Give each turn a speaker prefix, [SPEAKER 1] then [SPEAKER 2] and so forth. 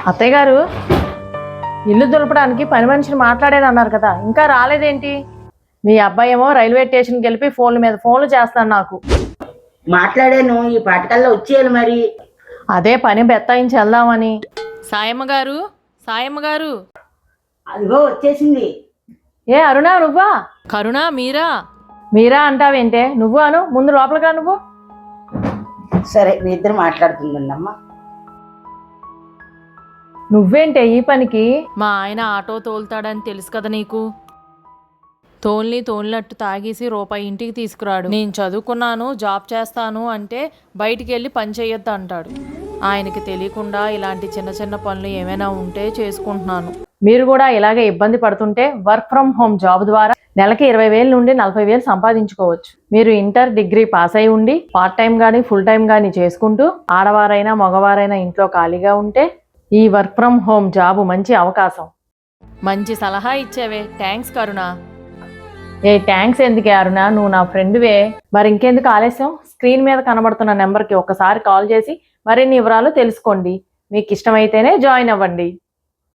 [SPEAKER 1] అత్తయ్య గారు, ఇల్లు దులపడానికి పని మనిషిని మాట్లాడానన్నారు కదా, ఇంకా రాలేదేంటి? మీ అబ్బాయి ఏమో రైల్వే స్టేషన్కి వెళ్ళి ఫోన్ల మీద ఫోన్లు చేస్తాను నాకు.
[SPEAKER 2] మాట్లాడాను, ఈ పాటకల్లా వచ్చేయాలి మరి.
[SPEAKER 1] అదే పని బెత్తాయించి వెళ్దామని. సాయమ్మ గారు, సాయమ్మ గారు.
[SPEAKER 2] అదిగో వచ్చేసింది.
[SPEAKER 1] ఏ అరుణా, నువ్వా? కరుణా, మీరా? మీరా అంటావేంటే? నువ్వు అను, ముందు లోపలిగా నువ్వు.
[SPEAKER 2] సరే, మీ ఇద్దరు మాట్లాడుతుందమ్మా.
[SPEAKER 1] నువ్వేంటే ఈ పనికి? మా ఆయన ఆటో తోలుతాడని తెలుసు కదా నీకు. తోలినట్టు తాగేసి రూపాయి ఇంటికి తీసుకురాడు. నేను చదువుకున్నాను, జాబ్ చేస్తాను అంటే బయటికి వెళ్ళి పని చేయొద్దు అంటాడు. ఆయనకి తెలియకుండా ఇలాంటి చిన్న చిన్న పనులు ఏమైనా ఉంటే చేసుకుంటున్నాను. మీరు కూడా ఇలాగే ఇబ్బంది పడుతుంటే వర్క్ ఫ్రమ్ హోమ్ జాబ్ ద్వారా నెలకి 20,000 నుండి 40,000 సంపాదించుకోవచ్చు. మీరు ఇంటర్, డిగ్రీ పాస్ అయి ఉండి పార్ట్ టైం కానీ ఫుల్ టైం కానీ చేసుకుంటూ ఆడవారైనా మగవారైనా ఇంట్లో ఖాళీగా ఉంటే ఈ వర్క్ ఫ్రమ్ హోమ్ జాబ్ మంచి అవకాశం. మంచి సలహా ఇచ్చేవే, థ్యాంక్స్ కరుణ. ఏ థ్యాంక్స్ ఎందుకే అరుణ, నువ్వు నా ఫ్రెండ్వే. మరి ఇంకెందుకు ఆలస్యం? స్క్రీన్ మీద కనబడుతున్న నెంబర్కి ఒకసారి కాల్ చేసి మరిన్ని వివరాలు తెలుసుకోండి. మీకు ఇష్టమైతేనే జాయిన్ అవ్వండి.